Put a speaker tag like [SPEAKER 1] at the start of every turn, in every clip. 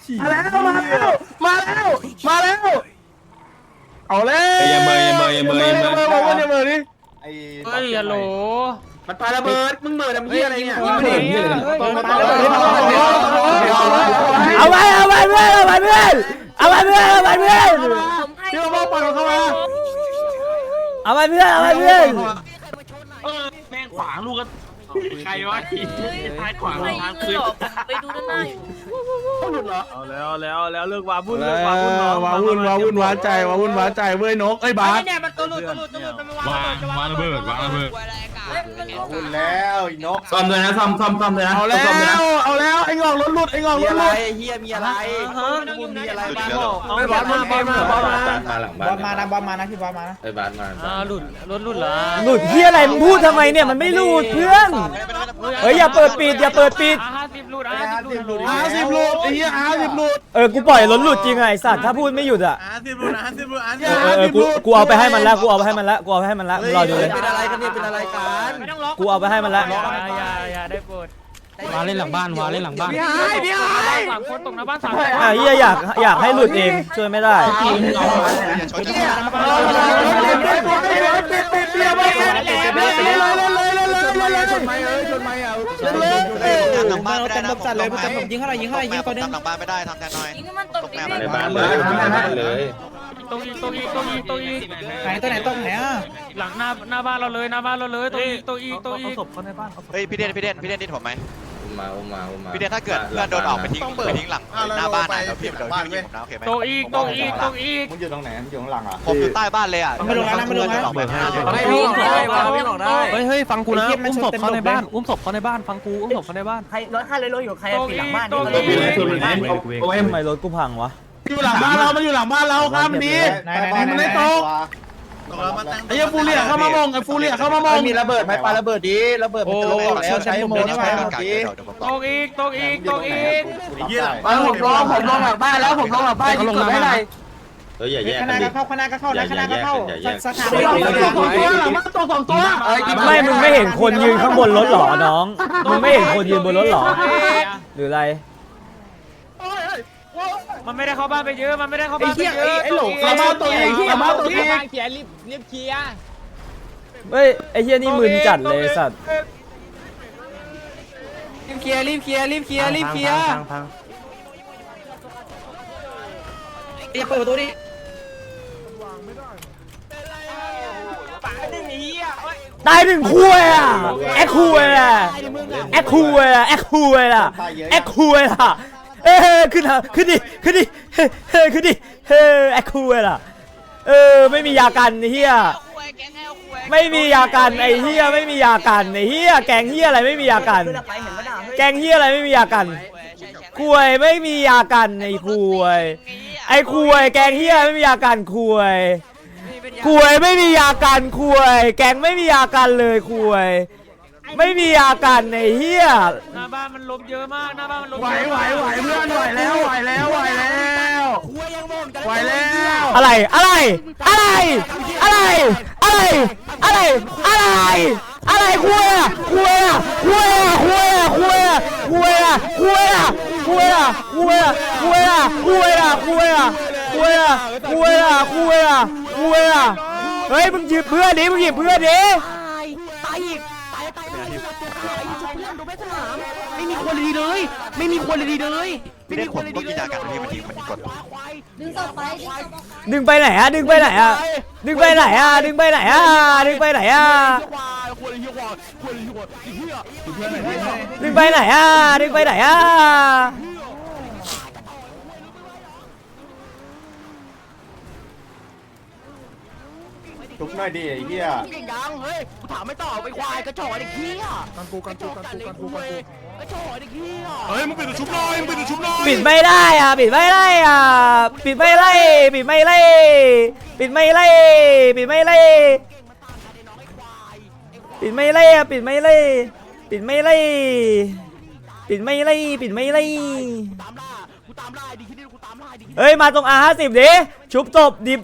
[SPEAKER 1] มาแล้วเอาแล้ว
[SPEAKER 2] อย่าเมย์ดิ
[SPEAKER 3] เฮ้ยฮัลโหล
[SPEAKER 4] มันปาระเบิดมึงเหมือนทำเหี้ยอะไรเนี่ย
[SPEAKER 5] เอาไปเพื่อน
[SPEAKER 1] พี่มาบอกปล่อยเข้ามา
[SPEAKER 5] เอาไปเพื่อน
[SPEAKER 3] แม่งขวางลูกกันใครวะท้ายขวางทางคืน
[SPEAKER 6] ไปดูด้านหน้าอยู่
[SPEAKER 1] หลุดเหรอ
[SPEAKER 3] เอาแล้วเลิกวาวุ่น
[SPEAKER 1] ว้าวุ่นว้าใจเว้ยนกไอ้บาส
[SPEAKER 4] เนี่ยมันตัวหลุดมันวางระเบิด
[SPEAKER 2] พูดแล้วนก
[SPEAKER 4] ซ่อมเลยนะซ่อมเลยนะ
[SPEAKER 1] เอาแล้วไอ้งอกรถหลุด
[SPEAKER 2] มีอะไรเฮียมีอะไรมีอะไรบ้าง
[SPEAKER 1] บอสมา
[SPEAKER 2] บอสมานะบอสมานะพี่บอสมานะ
[SPEAKER 4] ไอ้บาสมา
[SPEAKER 3] หลุดรถหลุดเหรอ
[SPEAKER 5] หลุดเฮียอะไรมึงพูดทำไมเนี่ยมันไม่หลุดเพื่อนเฮ้ยอย่าเปิดปิด
[SPEAKER 3] 50หลุด50หลุด
[SPEAKER 1] 50หลุดไอ้เหี้ย50หลุด
[SPEAKER 5] กูปล่อยรถหลุดจริงไอ้สัตว์ถ้าพูดไม่หยุดอ่ะกูเอาไปให้มันแล้วรอดูเลย
[SPEAKER 2] เป็นอะไรกันเนี่ยเป็นอะไรกัน
[SPEAKER 5] กูเอาไปให้มันแล้ว
[SPEAKER 3] อย่าได้โปรดวาเล่นหลังบ้านพี่สามคนตกหน้าบ้าน3
[SPEAKER 5] เฮียอยากให้หลุดเองช่วยไม่ได้
[SPEAKER 1] ชนไหม
[SPEAKER 2] หลังบ้านไม่ได้นะผมเลยผมยิงอะไรตัวนึงหลังบ้านไม่ได้ทำแทนหน่อย
[SPEAKER 6] ยิงให้มันตกดิ
[SPEAKER 4] ในบ้านเลย
[SPEAKER 3] ตรงอีก
[SPEAKER 2] ไหนตัวไหนตรงไหนอ่ะ
[SPEAKER 3] หลังหน้าบ้านเราเลยตรงอีกศพเขาในบ้าน
[SPEAKER 7] เฮ้ยพี่เด่นดิผมไหม
[SPEAKER 4] อุ้มมา
[SPEAKER 7] พี่เด่นถ้าเกิดเพื่อนโดนออกไปทิ้งหลังหน้าบ้านนะเดี๋ยวพี่ผมนะโอเคไหม
[SPEAKER 3] ตรงอีก
[SPEAKER 2] มึงอยู่ตรงไหนมึงอยู่ข้างหลังอ่ะ
[SPEAKER 7] ผมอยู่ใต้บ้านเลยอ่ะไม่ลงนะออกไป
[SPEAKER 3] วิ่งได้เฮ้ยฟังกูนะอุ้มศพเขาในบ้านฟังกูอุ้มศพเขาในบ้าน
[SPEAKER 6] ใครรถ500 โลอยู่ใครปิดหลังบ้าน
[SPEAKER 5] ทำไมรถกูพังวะ
[SPEAKER 1] อยู่หลังบ้านเรามันอยู่หลังบ้านเราครับมันดีมันไม่ตกไอ้เหี้ยฟูเรียเข้ามามอง
[SPEAKER 2] มีระเบิดไหมปาระเบิดดีระเบิดมันจะลงแล้วใช้โมใช้ดี
[SPEAKER 3] ตรงอีก
[SPEAKER 1] ผมลงหลังบ้านแล้วผมลงหลังบ้านยิงกดได้ไหน
[SPEAKER 4] เฮ้ยอย่าแยก
[SPEAKER 2] คณะก็เข้านะคณะก็เข้าสถาน
[SPEAKER 1] หลังบ้านตัว2 ตัว
[SPEAKER 5] ไม่มึงไม่เห็นคนยืนข้างบนรถหรอน้องมึงไม่เห็นคนยืนบนรถหรอหรืออะไร
[SPEAKER 3] มันไม่ได้เข้าบ้านไปเยอะ
[SPEAKER 1] ไอ้หลงเข้ามาตัวเอง
[SPEAKER 3] เขียรีบเคลียร์
[SPEAKER 5] เฮ้ยไอ้เฮียนี่มึนจัดเลยสัตว์
[SPEAKER 3] รีบเคลียร์
[SPEAKER 2] อย่าเปิดประตูดิ
[SPEAKER 5] ตายหนึ่งคู่อ่ะแอคคู่อ่ะขึ้นดิแอคคูล่ะไม่มียากันไอ้เหี้ยไม่มียากันไอ้เหี้ยไม่มียากันไอ้เหี้ยแกงเหี้ยอะไรไม่มียากันแกงเหี้ยอะไรไม่มียากันคุยไม่มียากันไอ้คุยแกงเหี้ยไม่มียากันคุยไม่มียากันคุยแกงไม่มียากันเลยคุยไม่มีอาการในเฮีย
[SPEAKER 3] หน้าบ้านมันลมเยอะมาก
[SPEAKER 1] ไหวเพื่อนไหวแล้ว
[SPEAKER 5] อะไรเฮ้ยมึงหยิบเพื่อนดิ
[SPEAKER 6] ไม่มีคนดีเลย
[SPEAKER 7] พี่เด่นผมก็กินยากันพี่มันทิ้งกด
[SPEAKER 5] ดึงไปไหนอะดึงไปไหนอะดึงไปไหนอะ
[SPEAKER 2] ทุบหน่อยดิไอ้เหี้ย
[SPEAKER 6] ยังเฮ้ยกูถามไม่ตอบไปควายกระจอกไอ้ขี้อ่ะกระจอกไอ้ขี้อ่ะ
[SPEAKER 1] เฮ้ยมึงปิดชุบหน่อย
[SPEAKER 5] ปิดไม่ได้อะปิดไม่ไล่ปิดไม่ไล่เฮ้ยมาตรง R50 ดิชุบจบหยิบ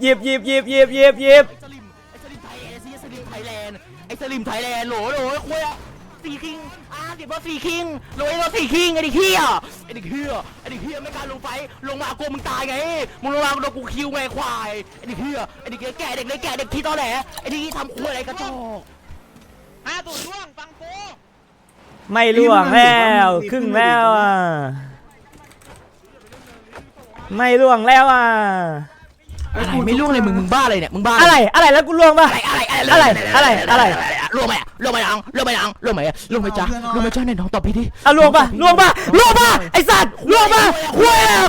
[SPEAKER 6] ไอ้สลิมไทยแลนด์โหลคุยอ่ะตีคิง 50รถ4คิงรวยรถ4คิงไอ้เด็กเหี้ยไอ้เด็กเหี้ยไอ้เด็กเหี้ยไม่กล้าลงไฟลงมากลัวมึงตายไงมึงลงมาโดนกูคิวไงควายไอ้เด็กเหี้ยไอ้เด็กแก่เด็กเล็กแก่เด็กที่ตอแหลไอ้ที่ทำคุยอะไรกระจอก
[SPEAKER 7] 5 0 ล่วงฟังกู
[SPEAKER 5] ไม่ล่วงแล้วครึ่งแล้วอ่ะไม่ล่วงแล้วอ่ะ
[SPEAKER 6] อะไรไม่ล่วงเลยมึงบ้าอะไรเนี่ยมึงบ้า
[SPEAKER 5] อะไรแล้วกูล่วงป่ะอะไร
[SPEAKER 6] ล่วงไหมล่วงไหมยังล่วงไหมยังล่วงไหมล่วงไหมจ้าล่วงไหมจ้าไหนน้องตอบพี่ดิ
[SPEAKER 5] อ่ะล่วงป่ะไอ้สัตว์ล่วงป่ะคุยอ่ะ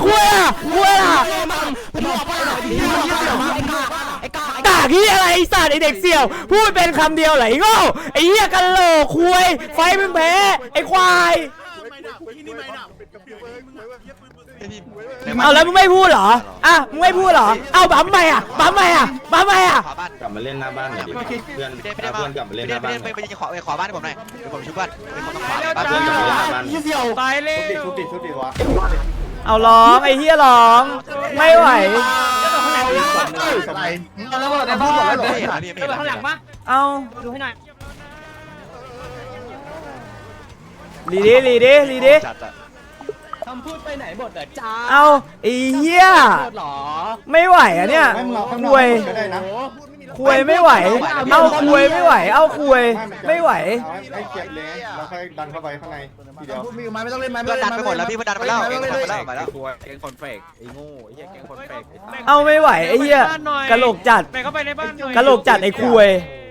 [SPEAKER 5] กากที่อะไรไอ้สัตว์ไอเด็กเสี่ยวพูดเป็นคำเดียวไหลโง่ไอ้เหี้ยกันโหลคุยไฟมึงแพ้ไอ้ควายเอาแล้วมึงไม่พูดเหรออ่ะมึงไม่พูดเหรอเอาบั๊มไปอ่ะ
[SPEAKER 7] ขอบ้าน
[SPEAKER 4] กลับมาเล่นหน้าบ้านหน่อยดิเพื่อน
[SPEAKER 7] ไม่ได้
[SPEAKER 4] เพื่อนกลับมาเล่นหน้าบ้านหน่อย
[SPEAKER 7] ไปขอบ้านให้ผมหน่อยเดี๋ยวผมช่วยเพื่อนเป็นคนต้องขอ
[SPEAKER 4] เพื่อนกลับมาเล่นหน้าบ้าน
[SPEAKER 3] ตายเลย
[SPEAKER 2] ชุดดิวะ
[SPEAKER 5] เอาร้องไอ้เหี้ยร้องไม่ไหว
[SPEAKER 2] อะไรเอาแล้วในบ้านแล้วเหรอ
[SPEAKER 3] ไปข้างหลังปะ
[SPEAKER 5] เอา
[SPEAKER 3] ดูให้หน่อย
[SPEAKER 5] ลีดิ
[SPEAKER 6] คำพูดไปไหนหมดอ่ะจ้า
[SPEAKER 5] เอาไอ้เหี้ย
[SPEAKER 6] หรอ
[SPEAKER 5] ไม่ไหวอ่ะเนี่ยคุยไม่ไหวเอาคุยไม่ไหวเอาคุยไม่ไหว
[SPEAKER 2] ให้เก็บเลยแล้วค่อยดันเข้าไปข้างในทีเดียวมีไม้ไม่ต้องเล่นไม้
[SPEAKER 7] เพื่อนดันไปหมดแล้วพี่เพื่อนดันไปแล้วเก่งคนไปแล้วไปแล้ว
[SPEAKER 2] แกงคอนเฟกไอ้โง่ไอ้เหี้ยแกงคอนเฟก
[SPEAKER 5] เอาไม่ไหวไอ้เหี้ยกะโหลกจัด
[SPEAKER 3] ไปเข้าไปในบ้านหน่อย
[SPEAKER 5] กะโหลกจัดไอ้คุย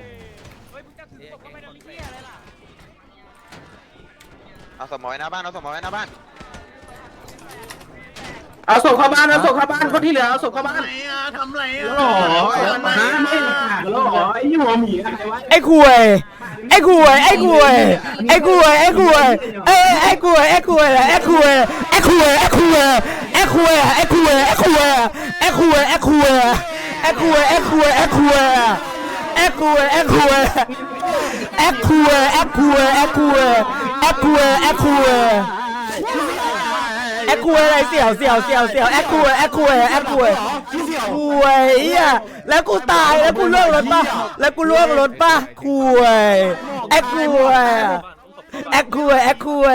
[SPEAKER 7] เอาสมอยหน้าบ้านเอาสมอยหน้าบ้าน
[SPEAKER 2] เอาศพเข้าบ้านคนที่เหลือเอาศพเข้าบ้าน
[SPEAKER 1] ทำไรอ่ะ
[SPEAKER 5] ไอ้คุยไอ้คุยอะไรเสี่ยวแอคคุยคุยอ่ะแล้วกูตายแล้วกูล่วงรถป่ะคุยแอคคุยอ่ะคุย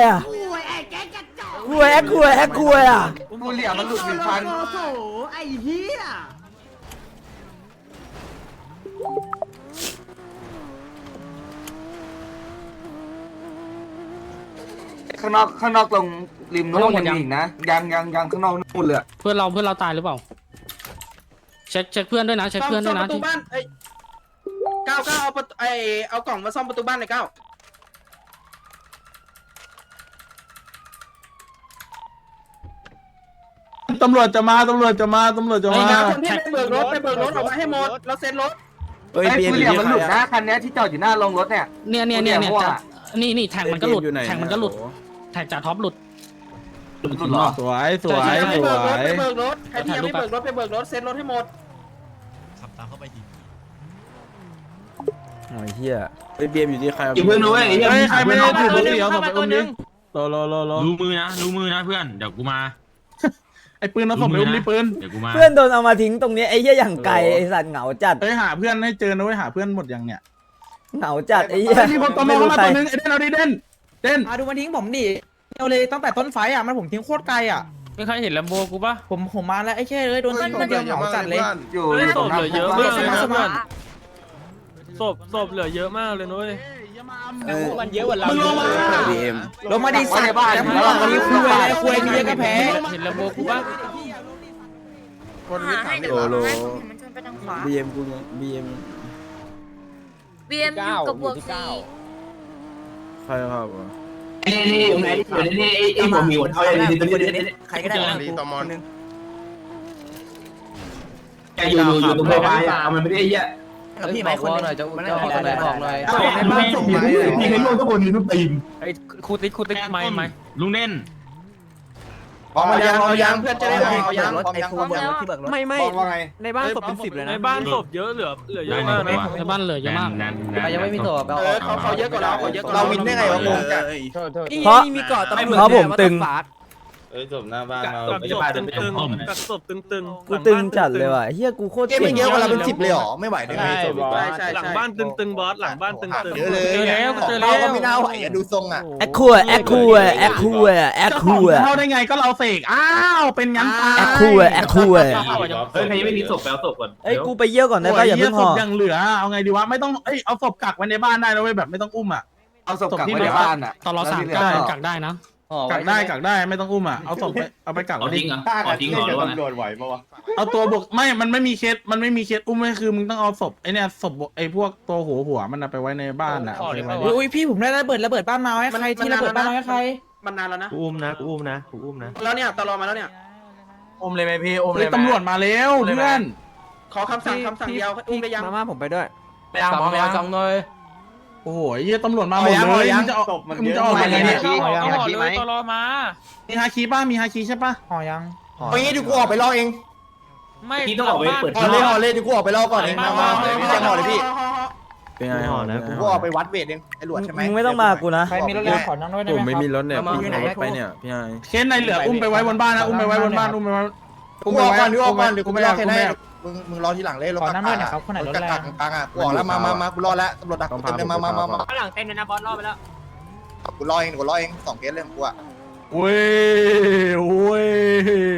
[SPEAKER 5] อ่ะ
[SPEAKER 2] กูเหลี่ยมมันหลุด1,000ข้างนอกตรงริมนู้นยังมีอีกนะยังข้างนอกนู่นเลย
[SPEAKER 3] เพื่อนเราตายหรือเปล่าเช็คเพื่อนด้วยนะเช็คเพื่อนด้วยนะ
[SPEAKER 8] ประตูบ้านก้าวเอากล่องมาซ่อมประตูบ้านหน่อยก้าว
[SPEAKER 1] ตำรวจจะมา
[SPEAKER 8] ไอ้คนที่ไปเบิกรถออกมาให้หมดเราเซ็นรถ
[SPEAKER 2] เฮ้ยกูเหลี่ยมมันหลุดนะคันนี้ที่จอดอยู่หน้าโรงรถเนี่ย
[SPEAKER 3] เนี่ยนี่แทงมันก็หลุดแทงจ่าท็อปหลุด
[SPEAKER 2] หลุดหรอ
[SPEAKER 1] สวย
[SPEAKER 8] ไปเบิกรถใครที่ยังไม่เบิกรถไปเบิกรถเซ็นรถให้หมด
[SPEAKER 5] โอ้ยเหี้ย
[SPEAKER 1] เบียมอยู่ที่ใคร
[SPEAKER 2] อีกเพื่อนนู้นไอ้เหี้ย
[SPEAKER 1] ใครไม่ได้ถือบุหรี่เอาศพไปอุ้มดิรอ
[SPEAKER 9] รู้มือนะเพื่อนเดี๋ยวกูมา
[SPEAKER 1] ไอ้ปืนเอาศพไปอุ้มดิปืน
[SPEAKER 9] เดี๋ยวกูมา
[SPEAKER 5] เพื่อนโดนเอามาทิ้งตรงนี้ไอ้เหี้ยอย่างไกลไอ้สัตว์เหงาจัด
[SPEAKER 1] ไปหาเพื่อนให้เจอนะเว้ยหาเพื่อนหมดยังเนี่ย
[SPEAKER 5] เหงาจัดไอ้เหี้ย
[SPEAKER 1] มีคนตอมอเข้ามาตัวนึงไอ้เด่นเอาดิเด่น
[SPEAKER 8] ดูมันทิ้งผมดิเอาเลยตั้งแต่ต้นไฟอ่ะมันผมทิ้งโคตรไกลอ่ะ
[SPEAKER 3] ไม่เคยเห็นลมโบกูปะ
[SPEAKER 8] ผมมาแล้วไอ้แค่เลยโดนทิ้งคนเดียวเหงาจัดเลย
[SPEAKER 2] อยู่
[SPEAKER 3] ศพเหลือเยอะมากเลยนะ
[SPEAKER 8] สมา
[SPEAKER 3] ศพเหลือเยอะมากเลยนุ้ย
[SPEAKER 6] มันเยอะกว่าเรา
[SPEAKER 8] ลงมาดิสัตว์แล้วมึงลงมาดิคุยมีเยอะก็แพ้
[SPEAKER 3] เห็นลมโบกูปะ
[SPEAKER 2] บีเอ็มกูบีเอ็ม
[SPEAKER 10] อยู่กับบวกสี
[SPEAKER 2] ใครครับ
[SPEAKER 6] นี่อยู่ไหนอยู่นี่ไอ้ผมมีหัวเท้าอย่างนี้ใครก็ได้
[SPEAKER 2] ตอมอน
[SPEAKER 6] แกอยู่ตรงไฟฟ้าเอามันไม่ได้เยอะ
[SPEAKER 8] พี่ไม่คนหน่อยจะบอกหน่อย
[SPEAKER 2] ในบ้านส่งมามีให้ลูกทุกคนมีทุกทีม
[SPEAKER 3] ไอ้คูติ๊กไม่
[SPEAKER 9] ลุงเน่น
[SPEAKER 8] เอายังเพื่อนจะได้เอายัง
[SPEAKER 10] ไอ้ครูเบิกรถที่เบิกรถ
[SPEAKER 2] บอกว่าไง
[SPEAKER 8] ในบ้านศพเป็น10เลยนะ
[SPEAKER 3] ในบ้านศพเยอะเหลือเยอะมากในบ้านเหลือเยอะมาก
[SPEAKER 10] ยังไม่มีตัวเอา
[SPEAKER 8] เขาเยอะกว่าเรา
[SPEAKER 2] เราวินได้ไงวะงงจัด
[SPEAKER 5] เพราะผมตึง
[SPEAKER 4] เอ้ยจบหน้าบ้านมา
[SPEAKER 9] กักศพตึงๆกักศพตึงๆ
[SPEAKER 5] กูตึงจัดเลยว่ะเฮียกูโคตร
[SPEAKER 2] เกมมันเยอะกว่าเราเป็น10เลยหรอไม่ไหวได้ไง
[SPEAKER 8] ใช่
[SPEAKER 9] หลังบ้านตึงๆบอสหลังบ้านตึง
[SPEAKER 2] เยอะเลย
[SPEAKER 3] เจอแล้ว
[SPEAKER 2] เราก็ไม่น่าไหวอะดูทรงอ่ะ
[SPEAKER 5] แอคคูแอคคูแอคคูแอคคู
[SPEAKER 1] เท่าได้ไงก็เราเสกอ้าวเป็นงั้นตาย
[SPEAKER 5] แอคคูแอคคู
[SPEAKER 9] เฮ้ยใครยังไม่มีศพแปลศพก่อน
[SPEAKER 5] เอ้ยกูไปเยี่ยวก่อนได้ป่ะอย่าเพิ่งห่อ
[SPEAKER 1] ศพยังเหลือเอาไงดีวะไม่ต้องเอาศพกักไว้ในบ้านได้นะเว้ยแบบไม่ต้องอุ้มอ่ะ
[SPEAKER 2] เอาศพกลับมาในบ้านอ่ะ
[SPEAKER 3] ตอนเรา3 กักได้นะ
[SPEAKER 1] กักได้ไม่ต้องอุ้มอ่ะเอาศพไปเอาไปกักไว้ดิ
[SPEAKER 4] ทิ้งเหรอตำรวจไหวปะวะ
[SPEAKER 1] เอาตัวบวกไม่มันไม่มีเคสอุ้มไม่คือมึงต้องเอาศพไอเนี่ยศพไอพวกตัวหัวมันไปไว้ในบ้านอ่ะ
[SPEAKER 10] อุ้ยพี่ผมได้ระเบิดบ้านมาให้ใครที่ระเบิดบ้านมาให้ใคร
[SPEAKER 8] มันนานแล้วนะ
[SPEAKER 9] กูอุ้มนะ
[SPEAKER 8] แล้วเนี่ยตลอมาแล้วเนี่ย
[SPEAKER 2] อมเลยไหมพี่อมเลยไหม
[SPEAKER 1] ตำรวจมาแล้วเพื่อน
[SPEAKER 8] ขอคำสั่งเดียวอุ้มได้ยัง
[SPEAKER 10] มาผมไปด้วย
[SPEAKER 2] ไปเอาหมอไปเอาจังเลย
[SPEAKER 1] โอ้โหเฮียตำรวจมาหมดเลยมึงจะออกยังไงเนี่ย
[SPEAKER 3] ห่อเลยตลอมา
[SPEAKER 1] มีฮาคีป่ะมีฮาคีใช่ป่ะ
[SPEAKER 10] ห่อยัง
[SPEAKER 2] เอางี้ดูกูออกไปรอเอง
[SPEAKER 3] ไม่
[SPEAKER 9] พี่ต้องออกไปเปิด
[SPEAKER 2] ห่อเลยดูกูออกไปรอก่อนเองมาพี่แจ้งห่อเลยพี่
[SPEAKER 1] เป็นไงห่อนะ
[SPEAKER 2] กูออกไปวัดเวทเองไอ้หลวดใช่ไหม
[SPEAKER 5] มึงไม่ต้องมากูนะ
[SPEAKER 10] ใครมีรถเลยขอนั่งด้วยได้ไหม
[SPEAKER 1] ผมไม่มีรถเนี่ย
[SPEAKER 10] พี่อยู่ไหนไปเนี่ย
[SPEAKER 1] เคสในเหลืออุ้มไปไว้บนบ้านนะอุ้มไปไว้บนบ้านอุ้มไปไว้
[SPEAKER 2] กูออกก่อนเดี๋ยวกูไม่รอแค่ไหนมึงรอทีหลังเลยรถกลางอ่ะกูออกแล้วมากูรอแล้วตำรวจดักเต็มเลยมา
[SPEAKER 3] หลังเต็มเลยนะบอสรอบไปแล้ว
[SPEAKER 2] กูรอเอง2 เคสเลยกูอ่ะ
[SPEAKER 1] เว้ย